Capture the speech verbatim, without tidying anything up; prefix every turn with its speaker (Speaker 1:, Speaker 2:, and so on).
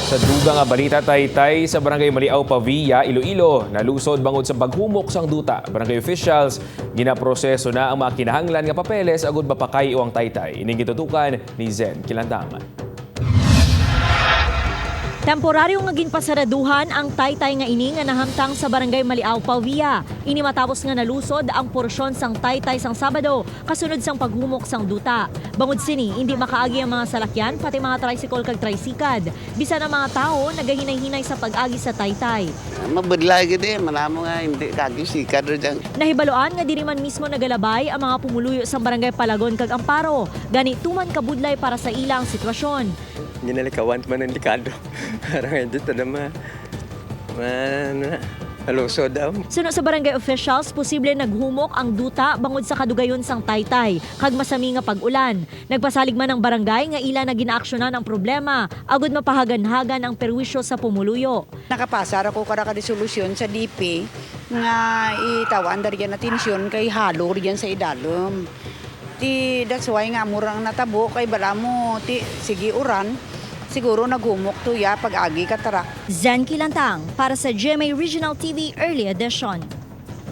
Speaker 1: Sa dugang nga balita taytay sa Barangay Maliaw, Pavia, Iloilo, nalusod bangod sa paghumok sang duta. Barangay officials ginaproseso na ang mga kinahanglan nga papeles agud mapakay o ang taytay. Ining gitutukan ni Zen Kilandaman.
Speaker 2: Temporaryo nga ginpasaraduhan ang taytay nga ini nga nahamtang sa Barangay Maliaw, Pavia. Ini matapos nga nalusod ang porsyon sang taytay sang Sabado kasunod sang paghumok sang duta. Bangod sini, hindi makaagi ang mga salakyan pati mga tricycle kag tricycad. Bisan ang mga tao nagahinay-hinay sa pag-agi sa taytay.
Speaker 3: Mabudla gid eh, malamo nga hindi kagi sikad ro dyan.
Speaker 2: Nahibaloan nga diri man mismo nagalabay ang mga pumuluyo sa Barangay Palagon kag Amparo. Gani tuman kabudlay para sa ilang sitwasyon.
Speaker 4: Ginalikawan man ang likado. Parang dito na ma... ma... na... halusod daw.
Speaker 2: Suno sa barangay officials, posible naghumok ang duta bangod sa kadugayon sang taytay, kag masami nga pag-ulan. Nagpasalig man ang barangay nga ila na ginaaksyonan ang problema, agud mapahagan-hagan ang perwisyo sa pumuluyo.
Speaker 5: Nakapasar ako kara ka resolusyon sa D P nga itawan dari yan atensyon kay halo riyan sa idalom. Ti that's why nga murang natabo kay bala mo ti sige uran siguro naghumok to ya pag-agi ka tara.
Speaker 2: Zen Kilantang para sa G M A Regional T V Early Edition.